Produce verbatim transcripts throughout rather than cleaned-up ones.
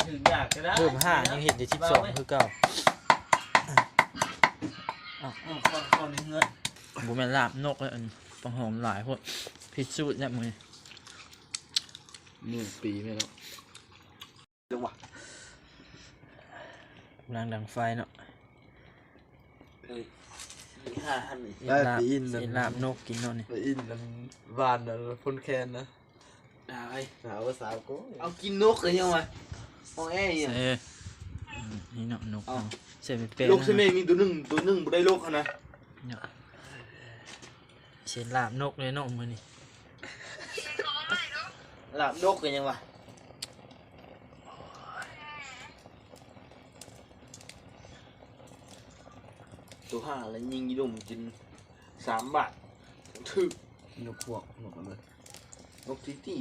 ถึงอยากก็ได้เพิ่มห้ายังเห็นได้สิบสองคือเก่าอ๋อคนคนเงินบุแม่นลาบนกเลยอันปังหอมหลายพวกพิสูจน์เนี่ยมือหนึ่งปีไม่แล้วจังหวะรังดังไฟเนาะห้าพันได้ไปอินนะลาบนกกินเนาะนี่ไปอินนั่นวานนั่นพ่นแคนนะได้สาวก็สาวก็เอากินนกเลยยังไงมองแอ่ยังเออนี่เนาะนกเส้นเป็นลูกเส้นมีตัวหนึ่งตัวหนึ่งไม่ได้ลูกนะเนาะเส้นลาบนกเลยเนาะมือนี่ลาบนกเลยยังไงตัวห้าแล้วยิงยี่ดุมกินสามบาทถึกนกพวกนกอะไรนกตีตี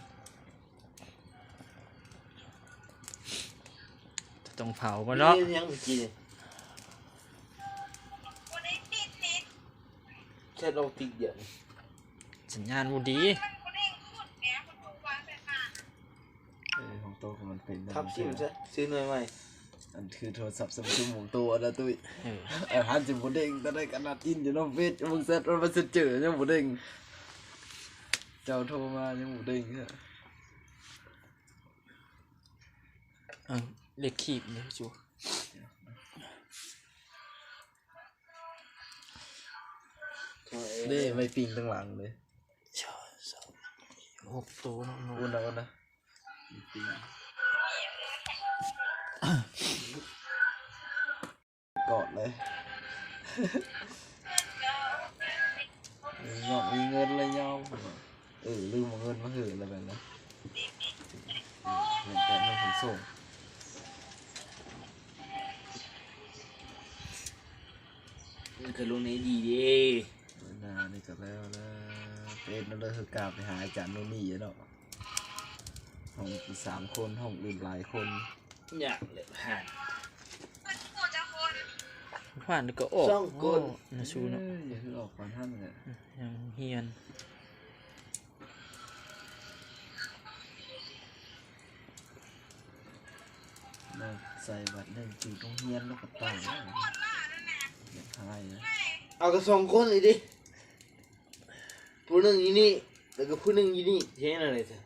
ต้องเผาก็เนาะยังไม่กินแค่เราติดเยอะสัญญาณบูดีเออของโตของมันเป็นครับซิมใช่ซื้อหน่อยไหมอันคือโทรศัพท์ซัมซุงของตัวนะตุ้ยเออฮันจิบุเด้งตอนได้ขนาดอินอยู่น้องเฟซมึงเซ็ตมันจะเจอยังบุเด้งเจ้าโทรมายังบุเด้งฮะเออเล็กขีบเลยจูเด้ไม่ปิงตั้งหลังเลยหกตัวน้องอุ่นนะอุ่นนะปิงกอดเลยยอมมีเงินเลยยอมเออลืมเอาเงินมาหืออะไรแบบนั้นเงินแต่ไม่ถึงส่งมันคือลุงนี้ดีดินานี่ก็แล้วนะเป็นนั่นเลยคือกลับไปหาอาจารย์โนนี่เนาะห้องสามคนห้องอื่นหลายคนอยากเลยผ่านผ่านก็ออกช่องก้นนะชูเนาะอย่าคือออกก่อนท่านเลยยังเฮียนเราใส่บัตรหนึ่งจุดตรงเฮียนแล้วก็ต่างอย่างไทยนะเอากระสองคนเลยดิผู้หนึ่งยี่นี่แล้วก็ผู้หนึ่งยี่นี่เท่อะไรเถอะ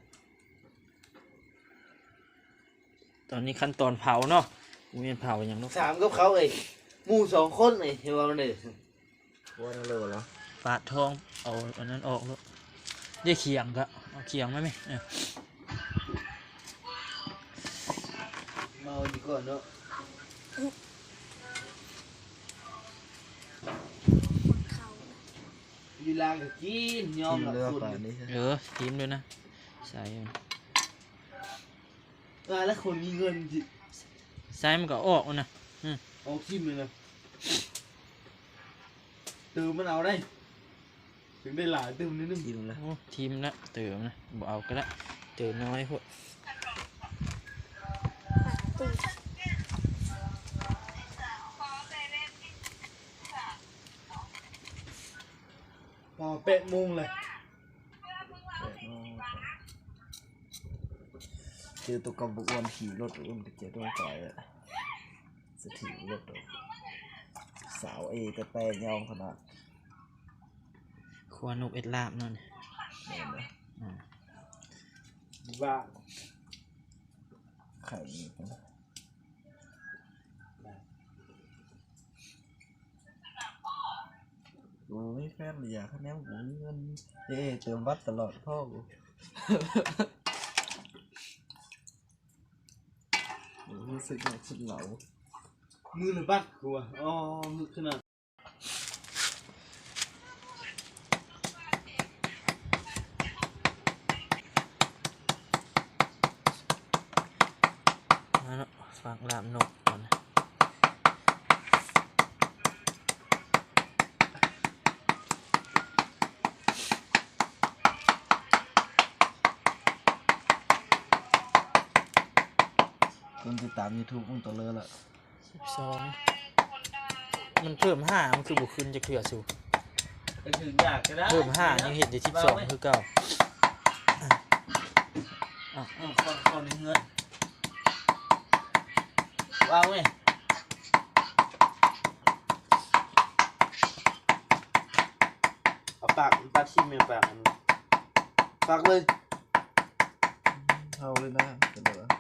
ตอนนี้ขั้นตอนเผาเนาะมีเผาอย่างนู้นสามกับเขาเอ้หมู่สองคนเอ้เห็นว่ามันเลยว่านั่นเลยเหรอปาดทองเอาอันนั้นออกแล้วได้เขียงก็เอาเขียงไหมไหมเมาดีกว่าเนาะยีรางกับกินยอมกับคนเออทีมด้วยนะใส่อ่าแล้วคนมีเงินจิใส่มันก็ออกนะออกทิมเลยนะตื่นมันเอาได้ถึงได้หลายตื่นนิดนึงทีมละทีมละตื่นนะบอกเอาก็ได้ตื่นน้อยพวกพอเป๊ะมุงเลยเจอตัวกำบุกวนขี่รถอุ้มตะเกียบด้วยจ่อยอะสถิตรถสาวเอแต่แปลงยองขนาดครัวนกเอ็ดลาบนั่นบ้าไข่โอ้ยแฟนอยากให้แม่ผมเงินเอ๊เติมวัดตลอดพ่อกูรู้สึกอยากสุดเหลามือหรือบัดกูอ่ะอ๋อมือขนาดมาแล้วฝากลาบนกก่อนนะคนติดตามยูทูบมึงตัวเลยละสิบสองมันเพิ่มห้ามันคือบุขึ้นจะเกลือสูเพิ่มห้ายังเห็นได้สิบสองคือเก่าอ๋อคนคนเงินวางไหมเอาปากปากชิมเนี่ยปากมันปากเลยเอาเลยนะเดี๋ยวนะ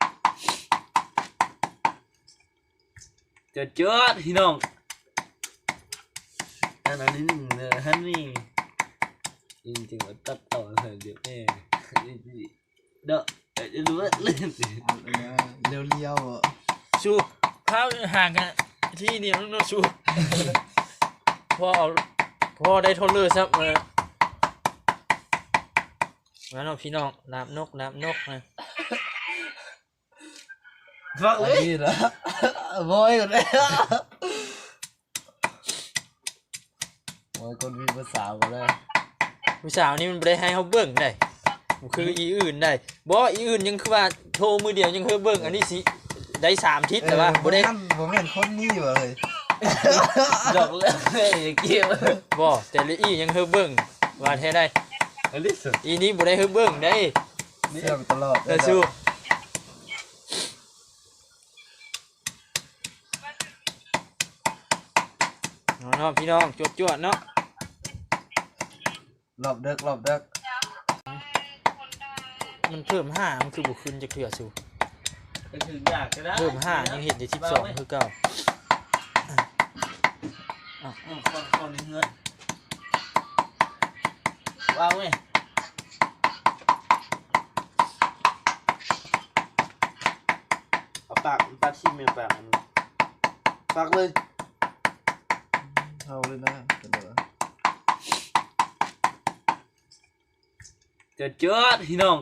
เจอเจอพี่น้องอันนี้หนึ่งเลยฮันนี่จริงๆว่าตัดต่อเลยเดี๋ยวแม่เด้อจะรู้ว่าเล่นสิเอาเลยนะเลี้ยวเลี้ยวๆอ่ะชูพาห่างกันที่เดียวน้องชูพอเอาพอได้ทนเลยซับมามาน้องพี่น้องน้ำนกน้ำนกนะฟังอัเลนยนี้นะบอยก่อนเลยบอยคนมีภาษาหมดเลยผู้สาวนี่มันบ่ได้ให้เขาเบิ่งได้มันคืออีอื่นได้บ่อีอื่นยังคือว่าโทรมือเดียวยังคือเบิ่งอันนี้สิได้สามทิศแต่ว่าบ่ได้ผมเห็นคนนี้ว่ะเลยดอกเล่นเลยเกี่ยวบ่แต่ละอียังคือเบิ่งว่าแท้ได้อันนี้สุดอีนี้บ่ได้คือเบิ่งได้เชื่อมตลอดแต่สู้เนาะพี่น้องจวดๆเนาะหลบเด็กหลบเด็กมันเพิ่มห้ามันคือบ่ขึ้นจะเกลือสู้ก็ถึงอยากก็ได้เพิ่มห้ายังเห็นได้สิบสองคือเก่าอืมคนคนนี้เงินวางไหมเอาปากปากชิมเนี่ยปากมันปากเลยเอาเลยนะเดี๋ยวนะเจอเจอพี่น้อง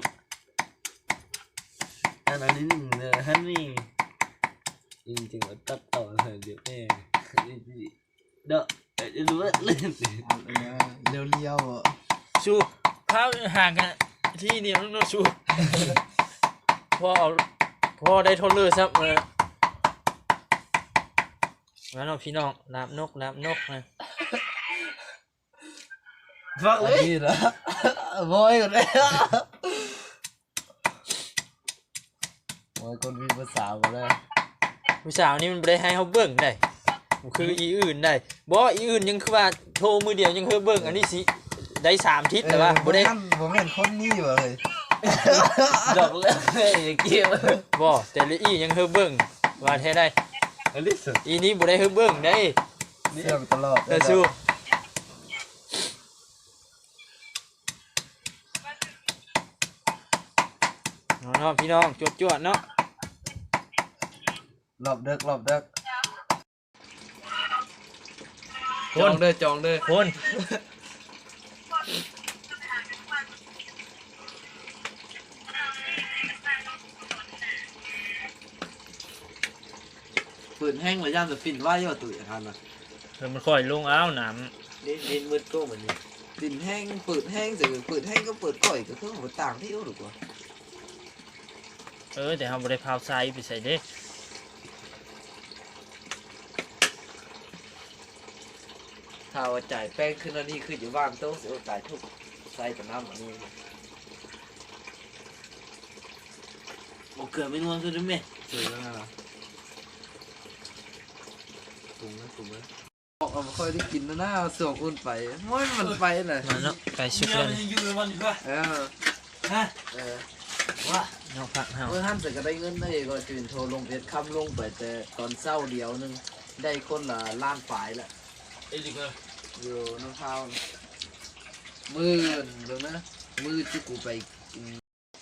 อันนี้หนึ่งเลยฮันนี่จริงๆว่าตัดต่อเลยเดี๋ยวแม่เด้อจะรู้ว่าเล่นสิเอาเลยนะเลี้ยวเลี้ยวๆอ่ะสู้พาห่างกันที่เดียวน้องสู้พอเอาพอได้ทนเลยซับมามาน้องพี่น้องน้ำนกน้ำนกนะฟังอัเลนยนี้นะบอยก่อนเลยบอยคนมีภาษาหมดเลยผู้สาวนี่มันบ่ได้ให้เขาเบิ่งได้มันคืออีอื่นได้บ่อีอื่นยังคือว่าโทรมือเดียวยังคือเบิ่งอันนี้สิได้สามทิศแต่ว่าบ่ได้ผมเห็นคนนี้ว่ะเลยดอกเล่นเลยเกี่ยวบ่แต่ละอียังคือเบิ่งว่าแท้ได้อันนี้สุดอีนี้บ่ได้คือเบิ่งได้เชื่อมตลอดแต่สู้เนาะพี่น้องจวดๆเนาะหลบเด็กหลบเด็กคจอน งเด้อจองเด้อคนปืนแห้งหรือย่ามจะฟินว่าย่อตุ๋ยทันอ่ะเดี๋ยวมันค่อยลงอ้าวน้เล่นเล่นมืดก็เหมือนนี้ฟินแห้งปืนแห้งจะปืนแห้งก็เปิดก่อยก็คือหัวต่างที่รู้หรือเปล่าำเออแต่เราบ่ได้พาวไซไปใส่เด้ถ้าว่าจ่ายแป้งขึ้นอันนี้คืออยู่บ้านโต๊ะเสียจ่ายทุกใส่แต่น้ำอันนี้บอกเกิดไม่นวลก็ได้ไหมสวยแล้วนะถุงนะถุงนะออกมาค่อยได้กินนะนะส่งอุ่นไปไม่มันไปเลยมาเนาะไก่สุกเนี่เลย ยมันอยู่ในวันดีกว่าเออฮะเออว่าเนาะผักเฮาเมื่อท่านเสร็จก็ได้เงินได้ก็จืนโทรลงเพชรคำลงไปแต่ตอนเศร้าเดียวนึงได้คนละล้านฝ่ายละไอ้ดีกว่าอยู่น้ำเท้ามือเดี๋ยวนะมือที่กูไปอืม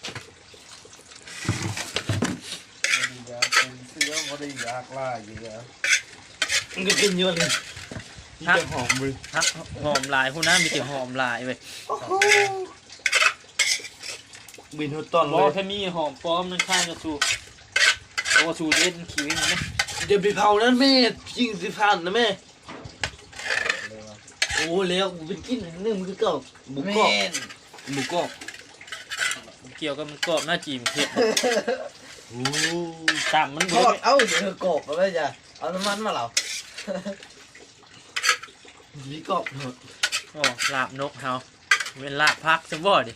บ่ได้อยากเป็นเสื้อบ่ได้อยากล่าอยู่แล้วมันก็กินเยอะเลยฮักหอมมือฮักหอมลายพวกนั้นมีแต่หอมลายเว้ยบินหัวต้นเลบ่ยแค่มีหอมปลอมนั่นข้างกับสูโอ้สูเล่นขี้วิ่งนะเดี๋ยวไปเผานั้นแม่ยิงสิพันนะแม่โอ้แล้วกูเป็นกินนึงมันก็เก่าบุกกอกแม่นบุกกอกเกี่ยวกับมันกรอบหน้าจีมเผ็ดโอ้ตามมันทบ่อดได้เอ้าเดี๋ยวกบมาเลยจ้ะเอาน้ำมันมาเหรอมีกอกหมดโอ้ลาบนกเฮาเป็นลาบพักซะบ่ดิ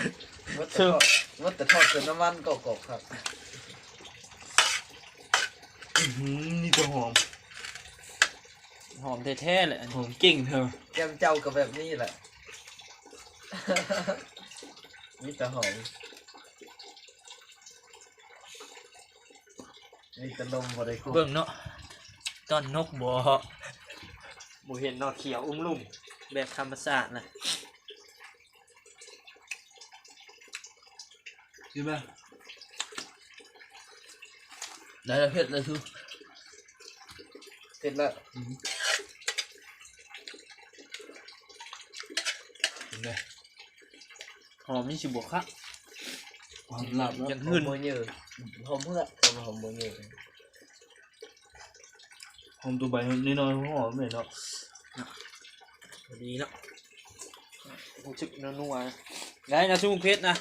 วัดแต่ทอดวัดแต่ทอดจนน้ำมันกบๆครับนี่ตัวหอมหอมแท้ๆเลยอันหนี้อมเก่งเธอแก้มเจ้ากับแบบนี้แหละ นี่แต่หอมนี่แต่นมบ่ได้คุ้มเบิ่งเนาะต้นนกบ่บ่เห็นเนาะเขียวอุ้มลุ่มแบบธรรมชาตินะใช่ไหมได้แล้วเผ็ดเลยทุกเสร็จแล้วหอมนี่สิบ่คักหอมหลับยังหหื่อน มโมเยอะหอมเพื่อหอมโมเยอะหอมตัวใบนิดหน่อยหอมเลยเนาะดีเนาะรู้สึกนัวๆนะได้นะชุ่มเพชรนะ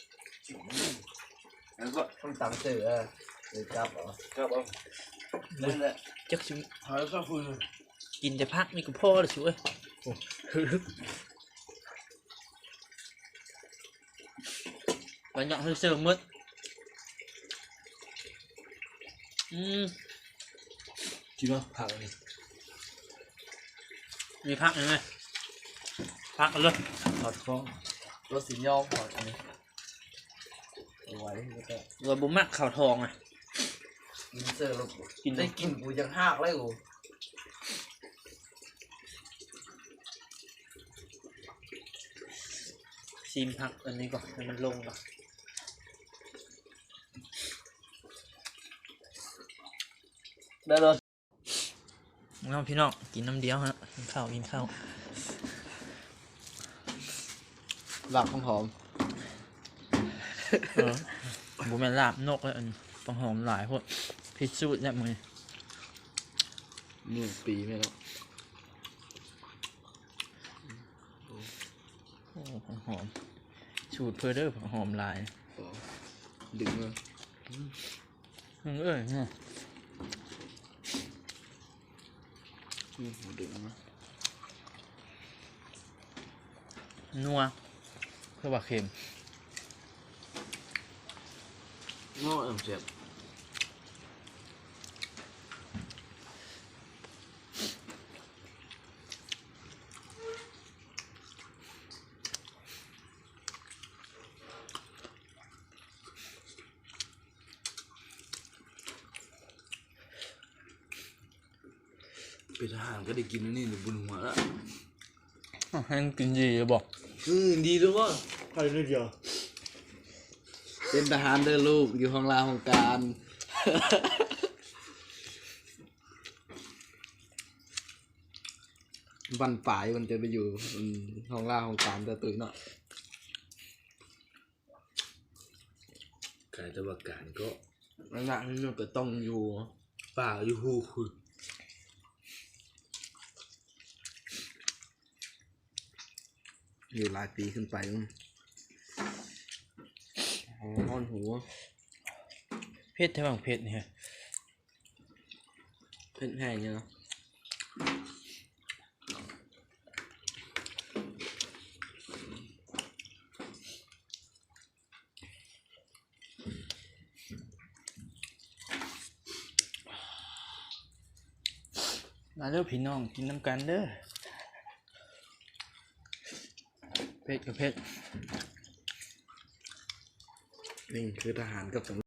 แล้วก็ต้องตำเสือหรือจับเหรอครับเอานั่นแหละจักชุ่มหายก็ฟืนกินแต่พักนี่ก็พอแล้วช่วยโอ้บรรยากาศเสิร์ฟมืดอืมจริงป่ะผักนี่มีพักยังไงพักกันเลยถอดคล้องรสสียอมก่อนอันนี้เอาไว้แล้วก็เราบุมักข่าวทองอ่ะกินเสือแล้วกินได้กินกูยังหักเลยกูซีมพักอันนี้ก่อนให้มันลงก่อนได้เลยน้องพี่น้องกินน้ำเดียวฮะกินข้าวกินข้าวหลับของหอมเออบุแม่นลาบนกแล้วอันปังหอมหลายพวกพิซซูดเนี่ยมือหนึ่งปีไม่แล้วโอ้ปังหอมสูตรเพอเดอร์ปังหอมหลายดึงเลยอืมเอ้ยเนี่ยดึงมานัวเพื่อว่าเค็มง้อเอ็มเจ็บ เป็นทหารก็ได้กินแล้วนี่หนูบุญหัวละอ้าวให้มันกินดีจะบอกอืมดีด้วยว่าใครได้เดียวเป็นทหารเด้อลูกอยู่ห้องลาของการ วันฝ่ายมันจะไปอยู่อืมห้องล่าของการจะตื่นเนาะกายตะวันการก็นั่นแหละนี่มันก็ต้องอยู่ป่าอยู่หูคุณอยู่หลายปีขึ้นไปมั้งอ๋อห้อนหัวเพชรแท้บางเพชรเนี่ยเพ่นแห้งเนี่ยเนาะมาเด้อพี่น้องกินน้ำกันเด้อเพชรกับเพชรนี่คือทหารกับ